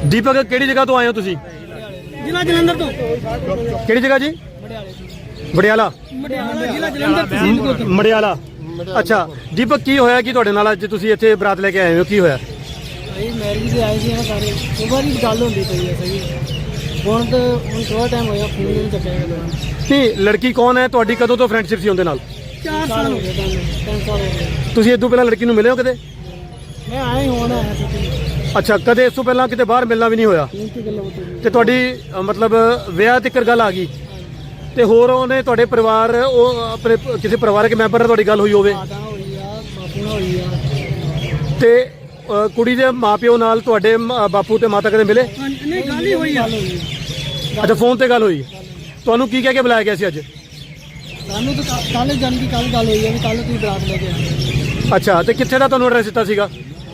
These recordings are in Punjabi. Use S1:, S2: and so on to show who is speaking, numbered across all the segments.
S1: ਦੀਪਕ ਕਿਹੜੀ ਜਗ੍ਹਾ ਤੋਂ ਆਏ ਹੋ ਤੁਸੀਂ?
S2: ਜ਼ਿਲ੍ਹਾ ਜਲੰਧਰ ਤੋਂ।
S1: ਕਿਹੜੀ ਜਗ੍ਹਾ ਜੀ? ਮੜਿਆਲਾ।
S2: ਜ਼ਿਲ੍ਹਾ ਜਲੰਧਰ ਤਹਿਸੀਲ ਕੋਟ।
S1: ਮੜਿਆਲਾ। ਅੱਛਾ ਦੀਪਕ, ਕੀ ਹੋਇਆ ਕਿ ਤੁਹਾਡੇ ਨਾਲ ਅੱਜ ਤੁਸੀਂ ਇੱਥੇ ਬਰਾਤ ਲੈ ਕੇ ਆਏ ਹੋ, ਕੀ ਹੋਇਆ?
S2: ਭਾਈ ਮੈਰਿਜ ਤੇ ਆਏ ਸੀ ਨਾ ਸਾਰੇ, ਸੁਬਾਹ ਦੀ ਗੱਲ ਹੁੰਦੀ ਪਈ ਹੈ ਸਹੀ। ਹੁਣ ਥੋੜਾ ਟਾਈਮ ਹੋਇਆ, ਫੋਨ ਨਹੀਂ ਚੱਕਿਆ ਗਿਆ।
S1: ਨਹੀਂ, ਲੜਕੀ ਕੌਣ ਹੈ ਤੁਹਾਡੀ? ਕਦੋਂ ਤੋਂ ਫਰੈਂਡਸ਼ਿਪ ਸੀ ਉਹਦੇ ਨਾਲ?
S2: 4 ਸਾਲ ਹੋ ਗਏ, 3 ਸਾਲ ਹੋ ਗਏ।
S1: ਤੁਸੀਂ ਇਸ ਤੋਂ ਪਹਿਲਾਂ ਲੜਕੀ ਨੂੰ ਮਿਲੇ ਹੋ ਕਦੇ?
S2: ਮੈਂ ਆਇਆ ਹੀ ਹੁਣ ਆਇਆ ਸੀ।
S1: ਅੱਛਾ, ਕਦੇ ਇਸ ਤੋਂ ਪਹਿਲਾਂ ਕਿਤੇ ਬਾਹਰ ਮਿਲਣਾ ਵੀ ਨਹੀਂ ਹੋਇਆ? ਤੇ ਤੁਹਾਡੀ ਮਤਲਬ ਵਿਆਹ ਤੱਕ ਗੱਲ ਆ ਗਈ ਤੇ ਹੋਰ ਉਹਨੇ ਤੁਹਾਡੇ ਪਰਿਵਾਰ, ਉਹ ਆਪਣੇ ਕਿਸੇ ਪਰਿਵਾਰਕ ਮੈਂਬਰ ਨਾਲ ਤੁਹਾਡੀ ਗੱਲ ਹੋਈ ਹੋਵੇ? ਤੇ ਕੁੜੀ ਦੇ ਮਾਪਿਓ ਨਾਲ ਤੁਹਾਡੇ ਬਾਪੂ ਤੇ ਮਾਤਾ ਕਦੇ ਮਿਲੇ?
S2: ਨਹੀਂ, ਗੱਲ ਹੀ ਹੋਈ ਆ।
S1: ਅੱਛਾ, ਫੋਨ ਤੇ ਗੱਲ ਹੋਈ। ਤੁਹਾਨੂੰ ਕੀ ਕਹਿ ਕੇ ਬੁਲਾਇਆ ਗਿਆ ਸੀ ਅੱਜ?
S2: ਸਾਨੂੰ ਤਾਂ ਕੱਲ ਜਨ ਦੀ ਕੱਲ ਗੱਲ ਹੋਈ ਹੈ ਵੀ ਕੱਲ ਤੁਸੀਂ ਬਰਾਤ ਲੈ ਕੇ ਆਏ।
S1: ਅੱਛਾ, ਤੇ ਕਿੱਥੇ ਦਾ ਤੁਹਾਨੂੰ ਐਡਰੈਸ ਦਿੱਤਾ ਸੀਗਾ?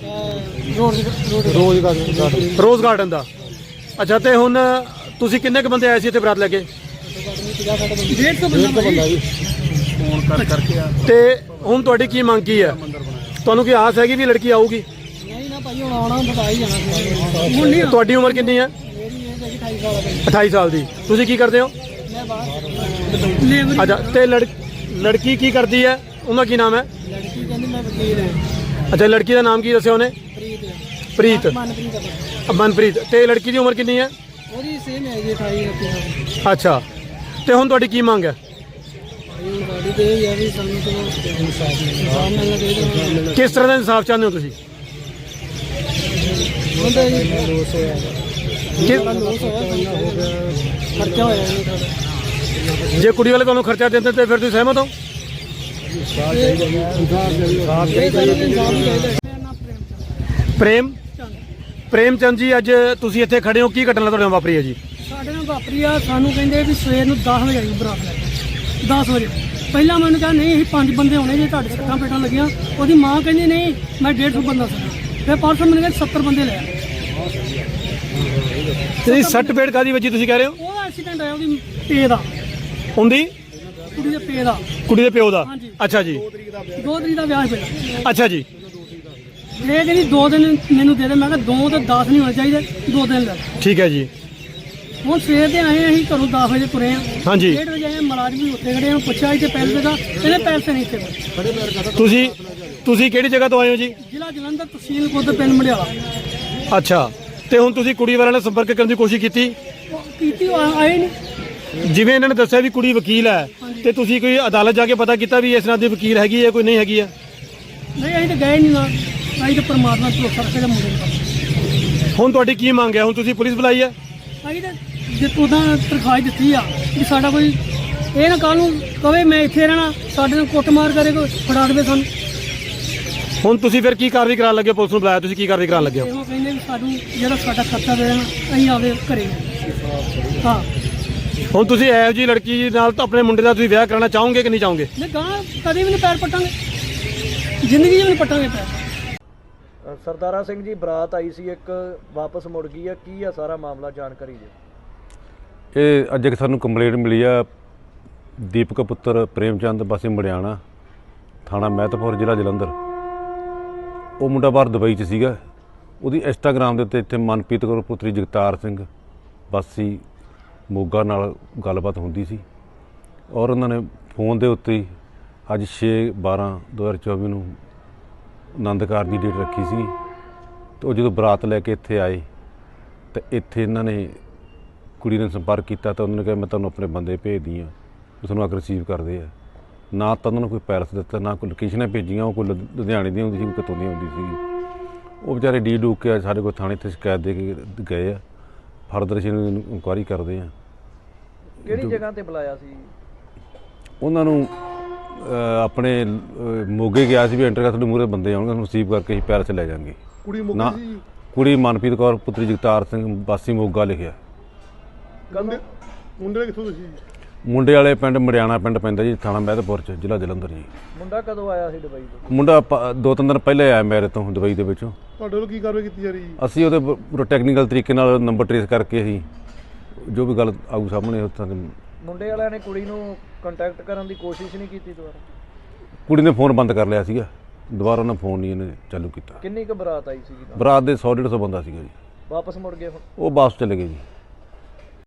S1: ਰੋਜ਼ ਗਾਰਡਨ ਦਾ। ਅੱਛਾ, ਤੇ ਹੁਣ ਤੁਸੀਂ ਕਿੰਨੇ ਕੁ ਬੰਦੇ ਆਏ ਸੀ ਇੱਥੇ ਬਰਾਤ ਲੈ ਕੇ?
S2: 150 ਬੰਦਾ ਜੀ।
S1: ਫੋਨ ਕਰਕੇ ਤੇ ਹੁਣ ਤੁਹਾਡੀ ਕੀ ਮੰਗ ਕੀ ਹੈ? ਤੁਹਾਨੂੰ ਕੀ ਆਸ ਹੈਗੀ ਵੀ ਲੜਕੀ ਆਊਗੀ?
S2: ਨਹੀਂ ਨਾ ਭਾਈ, ਹੁਣ ਆਉਣਾ ਬਤਾ ਹੀ ਜਾਣਾ ਸੀ। ਹੁਣ ਨਹੀਂ।
S1: ਤੁਹਾਡੀ ਉਮਰ ਕਿੰਨੀ ਹੈ?
S2: ਮੇਰੀ ਏਜ ਹੈਗੀ 28 ਸਾਲ ਦੀ।
S1: 28 ਸਾਲ ਦੀ। ਤੁਸੀਂ ਕੀ ਕਰਦੇ ਹੋ?
S2: ਮੈਂ ਬਾਹਰ।
S1: ਅੱਛਾ, ਤੇ ਲੜਕੀ ਕੀ ਕਰਦੀ ਹੈ? ਉਹਦਾ ਕੀ ਨਾਮ ਹੈ?
S2: ਲੜਕੀ ਕਹਿੰਦੀ ਮੈਂ ਵਕੀਲ ਹਾਂ।
S1: ਅੱਛਾ, ਲੜਕੀ ਦਾ ਨਾਮ ਕੀ ਦੱਸਿਆ ਉਹਨੇ? ਪ੍ਰੀਤ। ਮਨਪ੍ਰੀਤ। ਤੇ ਲੜਕੀ ਦੀ ਉਮਰ ਕਿੰਨੀ ਹੈ?
S2: ਉਹਦੀ ਸੇਮ ਹੈ ਜੀ, 28 29।
S1: ਅੱਛਾ, ਤੇ ਹੁਣ ਤੁਹਾਡੀ ਕੀ ਮੰਗ ਹੈ?
S2: ਸਾਡੀ ਤੇ ਇਹ ਹੈ ਵੀ ਸਾਨੂੰ ਇਨਸਾਫ ਮਿਲਣਾ ਚਾਹੀਦਾ।
S1: ਕਿਸ ਤਰ੍ਹਾਂ ਦਾ ਇਨਸਾਫ ਚਾਹੁੰਦੇ ਹੋ ਤੁਸੀਂ?
S2: ਹੁੰਦਾ ਜੀ ਲੋਸ ਹੋਇਆ, ਖਰਚਾ ਹੋਇਆ ਜੀ ਸਾਡਾ।
S1: ਜੇ ਕੁੜੀ ਵਾਲੇ ਤੁਹਾਨੂੰ ਖਰਚਾ ਦਿੰਦੇ ਤੇ ਫਿਰ ਤੁਸੀਂ ਸਹਿਮਤ ਹੋ? ਪ੍ਰੇਮ ਚੰਦ ਜੀ, ਅੱਜ ਤੁਸੀਂ ਇੱਥੇ ਖੜੇ ਹੋ, ਕੀ ਘਟਨਾ ਤੁਹਾਡੇ ਨਾਲ ਵਾਪਰੀ ਹੈ ਜੀ?
S2: ਸਾਡੇ ਨਾਲ ਵਾਪਰੀ ਆ, ਸਾਨੂੰ ਕਹਿੰਦੇ ਵੀ ਸਵੇਰ ਨੂੰ 10 ਵਜੇ ਆਈ ਬਰਾਤ ਲੈ ਕੇ। 10 ਵਜੇ ਪਹਿਲਾਂ ਮੈਨੂੰ ਕਿਹਾ ਨਹੀਂ, ਅਸੀਂ 5 ਬੰਦੇ ਹੋਣੇ ਜੇ, ਤੁਹਾਡੇ ਸੱਟਾਂ ਪੇਟਾਂ ਲੱਗੀਆਂ। ਉਹਦੀ ਮਾਂ ਕਹਿੰਦੀ ਨਹੀਂ, ਮੈਂ 150 ਬੰਦਾ ਸੀ। ਫਿਰ ਪਰਸੋਂ ਮੈਨੂੰ ਕਹਿੰਦੇ 70 ਬੰਦੇ ਲੈ ਆਏ।
S1: ਤੇ ਸੱਟ ਪੇਟ ਕਾਦੀ ਵਜੀ ਤੁਸੀਂ ਕਹਿ ਰਹੇ ਹੋ?
S2: ਉਹਦਾ ਐਕਸੀਡੈਂਟ ਆਇਆ ਉਹਦੀ ਪੇ ਦਾ।
S1: ਹੁੰਦੀ
S2: ਕੁੜੀ ਦੇ ਪੇ ਦਾ।
S1: ਕੁੜੀ ਦੇ ਪਿਓ ਦਾ?
S2: ਹਾਂਜੀ।
S1: ਅੱਛਾ ਜੀ।
S2: 2 ਤਰੀਕ ਦਾ ਵਿਆਹ ਪਹਿਲਾਂ।
S1: ਅੱਛਾ ਜੀ।
S2: ਇਹ ਕਹਿੰਦੀ 2 ਦਿਨ ਮੈਨੂੰ ਦੇ ਦੇ। ਮੈਂ ਕਿਹਾ 2 ਤੇ 10 ਨਹੀਂ ਹੋਣੇ ਚਾਹੀਦੇ, 2 ਦਿਨ ਲੈ।
S1: ਠੀਕ ਹੈ ਜੀ।
S2: ਹੁਣ ਸਵੇਰ ਦੇ ਆਏ, ਅਸੀਂ ਘਰੋਂ 10 ਵਜੇ ਤੁਰੇ ਆ।
S1: ਹਾਂਜੀ।
S2: 1:30 ਵਜੇ ਆਏ, ਮੁਲਾਜ਼ਮ ਵੀ ਉੱਥੇ ਖੜੇ ਆ। ਪੁੱਛਿਆ ਇੱਥੇ ਪੈਸੇ ਦਾ, ਇਹਨੇ ਪੈਸੇ ਨਹੀਂ ਇੱਥੇ।
S1: ਤੁਸੀਂ ਕਿਹੜੀ ਜਗ੍ਹਾ ਤੋਂ ਆਏ ਹੋ ਜੀ?
S2: ਜ਼ਿਲ੍ਹਾ ਜਲੰਧਰ, ਤਹਿਸੀਲ ਕੋਟ, ਪਿੰਡ ਮੜਿਆਲਾ।
S1: ਅੱਛਾ, ਤੇ ਹੁਣ ਤੁਸੀਂ ਕੁੜੀ ਵਾਲਿਆਂ ਨਾਲ ਸੰਪਰਕ ਕਰਨ ਦੀ ਕੋਸ਼ਿਸ਼ ਕੀਤੀ?
S2: ਕੀਤੀ, ਆਏ ਨਹੀਂ।
S1: ਜਿਵੇਂ ਇਹਨਾਂ ਨੇ ਦੱਸਿਆ ਵੀ ਕੁੜੀ ਵਕੀਲ ਹੈ, ਤੇ ਤੁਸੀਂ ਕੋਈ ਅਦਾਲਤ ਜਾ ਕੇ ਪਤਾ ਕੀਤਾ ਵੀ ਇਸ ਨਾਲ ਦੀ ਵਕੀਲ ਹੈਗੀ ਹੈ ਕੋਈ ਨਹੀਂ ਹੈਗੀ ਹੈ?
S2: ਨਹੀਂ, ਅਸੀਂ ਤਾਂ ਗਏ ਨਹੀਂ ਨਾ। ਅਸੀਂ ਤਾਂ ਪਰਮਾਤਮਾ ਤੋਂ ਸਰਕੇ ਦੇ ਮੁੰਡੇ ਨੂੰ।
S1: ਹੁਣ ਤੁਹਾਡੀ ਕੀ ਮੰਗ ਹੈ? ਹੁਣ ਤੁਸੀਂ ਪੁਲਿਸ ਬੁਲਾਈ ਹੈ?
S2: ਅਸੀਂ ਤਾਂ ਜੇ ਉਹਦਾ ਤਰਖਾਸ਼ ਦਿੱਤੀ ਆ ਵੀ ਸਾਡਾ ਕੋਈ ਇਹ ਨਾ ਕੱਲ੍ਹ ਨੂੰ ਕਵੇ ਮੈਂ ਇੱਥੇ ਰਹਿਣਾ, ਸਾਡੇ ਨਾਲ ਕੁੱਟਮਾਰ ਕਰੇ, ਕੋਈ ਫੜਾ ਦੇਵੇ ਸਾਨੂੰ।
S1: ਹੁਣ ਤੁਸੀਂ ਫਿਰ ਕੀ ਕਾਰਵਾਈ ਕਰਾਉਣ ਲੱਗੇ? ਪੁਲਿਸ ਨੂੰ ਬੁਲਾਇਆ, ਤੁਸੀਂ ਕੀ ਕਾਰਵਾਈ ਕਰਾਉਣ ਲੱਗੇ ਹੋ?
S2: ਉਹ ਕਹਿੰਦੇ ਵੀ ਸਾਨੂੰ ਜਿਹੜਾ ਸਾਡਾ ਖਰਚਾ ਦੇ ਦੇਣਾ, ਅਸੀਂ ਆਵੇ ਘਰੇ। ਹਾਂ,
S1: ਹੁਣ ਤੁਸੀਂ ਇਹੋ ਜਿਹੀ ਲੜਕੀ ਨਾਲ ਤਾਂ ਆਪਣੇ ਮੁੰਡੇ ਦਾ ਤੁਸੀਂ ਵਿਆਹ ਕਰਾਉਣਾ ਚਾਹੋਗੇ ਕਿ ਨਹੀਂ ਚਾਹੋਗੇ?
S2: ਨਹੀਂ, ਗਾਂ ਕਦੇ ਵੀ ਨਹੀਂ ਪੈਰ ਪੱਟਾਂਗੇ, ਜ਼ਿੰਦਗੀ 'ਚ ਵੀ ਨਹੀਂ ਪੱਟਾਂਗੇ ਪੈਰ।
S3: ਸਰਦਾਰਾ ਸਿੰਘ ਜੀ, ਬਰਾਤ ਆਈ ਸੀ ਇੱਕ, ਵਾਪਸ ਮੁੜ ਗਈ ਆ, ਕੀ ਆ ਸਾਰਾ ਮਾਮਲਾ, ਜਾਣਕਾਰੀ ਦਿਓ।
S4: ਇਹ ਅੱਜ ਇੱਕ ਸਾਨੂੰ ਕੰਪਲੇਂਟ ਮਿਲੀ ਆ, ਦੀਪਕ ਪੁੱਤਰ ਪ੍ਰੇਮ ਚੰਦ ਵਾਸੀ ਮੜਿਆਣਾ, ਥਾਣਾ ਮਹਿਤਪੁਰ, ਜ਼ਿਲ੍ਹਾ ਜਲੰਧਰ। ਉਹ ਮੁੰਡਾ ਬਾਹਰ ਦੁਬਈ 'ਚ ਸੀਗਾ। ਉਹਦੀ ਇੰਸਟਾਗ੍ਰਾਮ ਦੇ ਉੱਤੇ ਇੱਥੇ ਮਨਪ੍ਰੀਤ ਕੌਰ ਪੁੱਤਰੀ ਜਗਤਾਰ ਸਿੰਘ ਵਾਸੀ ਮੋਗਾ ਨਾਲ ਗੱਲਬਾਤ ਹੁੰਦੀ ਸੀ, ਔਰ ਉਹਨਾਂ ਨੇ ਫੋਨ ਦੇ ਉੱਤੇ ਹੀ ਅੱਜ 6/12/2024 ਨੂੰ ਆਨੰਦ ਕਾਰਜ ਦੀ ਡੇਟ ਰੱਖੀ ਸੀ। ਅਤੇ ਉਹ ਜਦੋਂ ਬਰਾਤ ਲੈ ਕੇ ਇੱਥੇ ਆਏ ਤਾਂ ਇੱਥੇ ਇਹਨਾਂ ਨੇ ਕੁੜੀ ਨੇ ਸੰਪਰਕ ਕੀਤਾ ਤਾਂ ਉਹਨਾਂ ਨੇ ਕਿਹਾ ਮੈਂ ਤੁਹਾਨੂੰ ਆਪਣੇ ਬੰਦੇ ਭੇਜਦੀ ਹਾਂ, ਉਹ ਤੁਹਾਨੂੰ ਆ ਕੇ ਰਿਸੀਵ ਕਰਦੇ ਆ। ਨਾ ਤਾਂ ਉਹਨਾਂ ਨੂੰ ਕੋਈ ਪੈਲਸ ਦਿੱਤਾ, ਨਾ ਕੋਈ ਲੋਕੇਸ਼ਨਾਂ ਭੇਜੀਆਂ। ਉਹ ਕੋਈ ਲੁਧਿਆਣੇ ਦੀ ਹੁੰਦੀ ਸੀ, ਕੋਈ ਕਿਤੋਂ ਦੀ ਹੁੰਦੀ ਸੀ। ਉਹ ਵਿਚਾਰੇ ਡੀ ਡੂਕ ਕੇ ਸਾਡੇ ਕੋਲ ਥਾਣੇ 'ਤੇ ਸ਼ਿਕਾਇਤ ਦੇ ਕੇ ਗਏ ਆ। ਫਰਦਰ ਅਸੀਂ ਇਨਕੁਆਇਰੀ ਕਰਦੇ ਹਾਂ।
S3: ਕਿਹੜੀ ਜਗ੍ਹਾ ਤੇ ਬੁਲਾਇਆ ਸੀ
S4: ਉਹਨਾਂ ਨੂੰ? ਆਪਣੇ ਮੋਗੇ ਗਿਆ ਸੀ ਵੀ ਐਂਟਰ ਕਰ, ਤੁਹਾਡੇ ਮੂਹਰੇ ਬੰਦੇ ਆਉਣਗੇ, ਤੁਹਾਨੂੰ ਰਿਸੀਵ ਕਰਕੇ ਅਸੀਂ ਪੈਲਸ ਲੈ ਜਾਵਾਂਗੇ। ਨਾ, ਕੁੜੀ ਮਨਪ੍ਰੀਤ ਕੌਰ ਪੁੱਤਰੀ ਜਗਤਾਰ ਸਿੰਘ ਵਾਸੀ ਮੋਗਾ ਲਿਖਿਆ।
S1: ਮੁੰਡੇ ਕਿੱਥੋਂ ਤੁਸੀਂ?
S4: ਮੁੰਡੇ ਵਾਲੇ ਪਿੰਡ ਮੜਿਆਣਾ ਪਿੰਡ ਪੈਂਦਾ ਜੀ, ਥਾਣਾ ਮਹਿਤਪੁਰ 'ਚ, ਜ਼ਿਲ੍ਹਾ ਜਲੰਧਰ ਜੀ।
S3: ਮੁੰਡਾ ਕਦੋਂ ਆਇਆ ਸੀ ਦੁਬਈ ਤੋਂ?
S4: ਮੁੰਡਾ 2-3 ਦਿਨ ਪਹਿਲੇ ਆਇਆ ਮੇਰੇ ਤੋਂ ਦੁਬਈ ਦੇ ਵਿੱਚੋਂ।
S1: ਤੁਹਾਡੇ ਵੱਲੋਂ ਕੀ ਕਾਰਵਾਈ ਕੀਤੀ ਜਾ ਰਹੀ ਹੈ?
S4: ਅਸੀਂ ਉਹਦੇ ਪੂਰਾ ਟੈਕਨੀਕਲ ਤਰੀਕੇ ਨਾਲ ਨੰਬਰ ਟਰੇਸ ਕਰਕੇ ਅਸੀਂ ਜੋ ਵੀ ਗੱਲ ਆਊ ਸਾਹਮਣੇ ਉੱਥਾਂ ਦੇ।
S3: ਮੁੰਡੇ ਵਾਲਿਆਂ ਨੇ ਕੁੜੀ ਨੂੰ ਕੰਟੈਕਟ ਕਰਨ ਦੀ ਕੋਸ਼ਿਸ਼ ਨਹੀਂ ਕੀਤੀ ਦੁਬਾਰਾ?
S4: ਕੁੜੀ ਨੇ ਫੋਨ ਬੰਦ ਕਰ ਲਿਆ ਸੀਗਾ, ਦੁਬਾਰਾ ਉਹਨਾਂ ਫੋਨ ਨਹੀਂ ਇਹਨੇ ਚਾਲੂ ਕੀਤਾ।
S3: ਕਿੰਨੀ ਕੁ ਬਰਾਤ ਆਈ ਸੀਗੀ?
S4: ਬਰਾਤ ਦੇ 100-150 ਬੰਦਾ ਸੀਗਾ ਜੀ।
S3: ਵਾਪਸ ਮੁੜ ਗਏ ਹੁਣ?
S4: ਉਹ ਵਾਪਸ ਚਲੇ ਗਏ ਜੀ।